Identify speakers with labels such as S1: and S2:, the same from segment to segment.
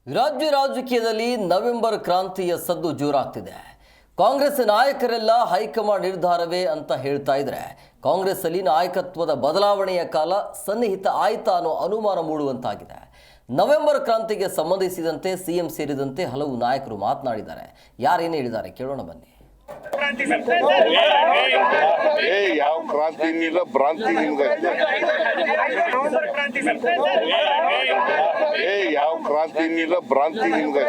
S1: ರಾಜ್ಯ ರಾಜಕೀಯದಲ್ಲಿ ನವೆಂಬರ್ ಕ್ರಾಂತಿಯ ಸದ್ದು ಜೋರಾಗ್ತಿದೆ. ಕಾಂಗ್ರೆಸ್ ನಾಯಕರೆಲ್ಲ ಹೈಕಮಾಂಡ್ ನಿರ್ಧಾರವೇ ಅಂತ ಹೇಳ್ತಾ ಇದ್ರೆ ಕಾಂಗ್ರೆಸ್ ಅಲ್ಲಿ ನಾಯಕತ್ವದ ಬದಲಾವಣೆಯ ಕಾಲ ಸನ್ನಿಹಿತ ಆಯ್ತಾ ಅನ್ನೋ ಅನುಮಾನ ಮೂಡುವಂತಾಗಿದೆ. ನವೆಂಬರ್ ಕ್ರಾಂತಿಗೆ ಸಂಬಂಧಿಸಿದಂತೆ ಸಿಎಂ ಸೇರಿದಂತೆ ಹಲವು ನಾಯಕರು ಮಾತನಾಡಿದ್ದಾರೆ. ಯಾರೇನು ಹೇಳಿದ್ದಾರೆ ಕೇಳೋಣ ಬನ್ನಿ.
S2: ಯಾವ ಕ್ರಾಂತಿ ಇಲ್ಲ, ಭ್ರಾಂತಿ ನಿಮ್ಗೆ ಯಾವ ಕ್ರಾಂತಿ ಇಲ್ಲ, ಭ್ರಾಂತಿ ನಿಮ್ಗೆ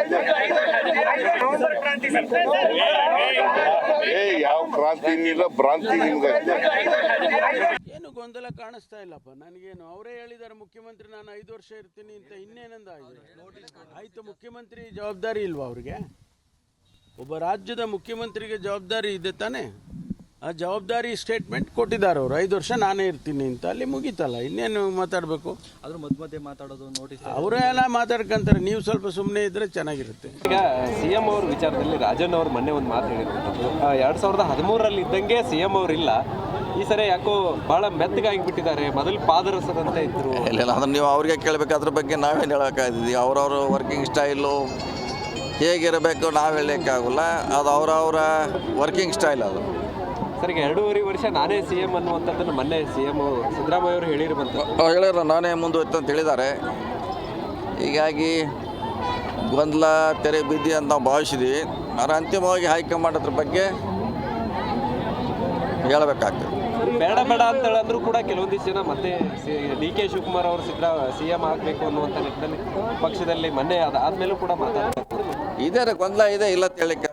S2: ಯಾವ ಕ್ರಾಂತಿ ಇಲ್ಲ, ಭ್ರಾಂತಿ ನಿಮ್ಗೆ
S3: ಏನು ಗೊಂದಲ ಕಾಣಿಸ್ತಾ ಇಲ್ಲಪ್ಪ ನನಗೇನು. ಅವರೇ ಹೇಳಿದ್ದಾರೆ ಮುಖ್ಯಮಂತ್ರಿ ನಾನು 5 ವರ್ಷ ಇರ್ತೀನಿ ಅಂತ. ಇನ್ನೇನಂದ ಆಯ್ತು, ಮುಖ್ಯಮಂತ್ರಿ ಜವಾಬ್ದಾರಿ ಇಲ್ವಾ ಅವ್ರಿಗೆ? ಒಬ್ಬ ರಾಜ್ಯದ ಮುಖ್ಯಮಂತ್ರಿಗೆ ಜವಾಬ್ದಾರಿ ಇದೆ ತಾನೆ. ಆ ಜವಾಬ್ದಾರಿ ಸ್ಟೇಟ್ಮೆಂಟ್ ಕೊಟ್ಟಿದ್ದಾರೆ ಅವರು, 5 ವರ್ಷ ನಾನೇ ಇರ್ತೀನಿ ಅಂತ. ಅಲ್ಲಿ ಮುಗೀತಲ್ಲ, ಇನ್ನೇನು ಮಾತಾಡಬೇಕು?
S4: ಅದ್ರ ಮಧ್ಯೆ ಮಾತಾಡೋದು ನೋಟಿಸ್
S3: ಅವರೇ ಎಲ್ಲ ಮಾತಾಡ್ಕೊಂತಾರೆ. ನೀವು ಸ್ವಲ್ಪ ಸುಮ್ಮನೆ ಇದ್ರೆ ಚೆನ್ನಾಗಿರುತ್ತೆ.
S4: ಈಗ ಸಿಎಂ ಅವ್ರ ವಿಚಾರದಲ್ಲಿ ರಾಜಣ್ಣ ಅವರು ಮೊನ್ನೆ ಒಂದು ಮಾತು ಹೇಳಿರುವಂಥದ್ದು, 2013ರಲ್ಲಿ ಇದ್ದಂಗೆ ಸಿಎಂ ಅವ್ರು ಇಲ್ಲ, ಈ ಸರಿ ಯಾಕೋ ಬಹಳ ಮೆತ್ತಗಾಗಿಬಿಟ್ಟಿದ್ದಾರೆ, ಮೊದಲು ಪಾದರಸದಂತೆ ಇದ್ರು.
S5: ಇಲ್ಲ, ಅದನ್ನು ನೀವು ಅವ್ರಿಗೆ ಕೇಳಬೇಕು. ಅದ್ರ ಬಗ್ಗೆ ನಾವೇನು ಹೇಳೋಕ್ಕಾಗ್ತದೆ? ಅವ್ರವ್ರ ವರ್ಕಿಂಗ್ ಸ್ಟೈಲು ಹೇಗಿರಬೇಕು ನಾವು ಹೇಳೋಕ್ಕಾಗಲ್ಲ. ಅದು ಅವರವರ ವರ್ಕಿಂಗ್ ಸ್ಟೈಲ್. ಅದು
S4: ಸರ್, ಈಗ 2.5 ವರ್ಷ ನಾನೇ ಸಿಎಂ ಅನ್ನುವಂಥದ್ದನ್ನು ಮೊನ್ನೆ ಸಿಎಂ ಸಿದ್ದರಾಮಯ್ಯ ಅವರು ಹೇಳಿರುವಂಥದ್ದು.
S5: ಹೇಳಿರೋ ನಾನೇ ಮುಂದುವರಿತು ಅಂತ ಹೇಳಿದ್ದಾರೆ. ಹೀಗಾಗಿ ಗೊಂದಲ ತೆರೆ ಬಿದ್ದಿ ಅಂತ ನಾವು ಭಾವಿಸಿದ್ವಿ. ಆದರೆ ಅಂತಿಮವಾಗಿ ಹೈಕಮಾಂಡ್ ಅದ್ರ ಬಗ್ಗೆ ಹೇಳಬೇಕಾಗ್ತದೆ.
S4: ಬೇಡ ಅಂತ ಹೇಳಂದ್ರೂ ಕೂಡ ಕೆಲವೊಂದಿಷ್ಟು ಜನ ಮತ್ತೆ ಡಿ ಕೆ ಶಿವಕುಮಾರ್ ಅವರು ಸಿಎಂ ಆಗಬೇಕು ಅನ್ನುವಂಥ ನಿಟ್ಟಿನಲ್ಲಿ ಪಕ್ಷದಲ್ಲಿ ಮೊನ್ನೆ ಅದಾದ್ಮೇಲೂ ಕೂಡ ಮಾತಾಡ್ತಾರೆ.
S5: ಇದೇ ಗೊಂದಲ ಇದೆ, ಇಲ್ಲ ಅಂತ ಹೇಳಲಿಕ್ಕೆ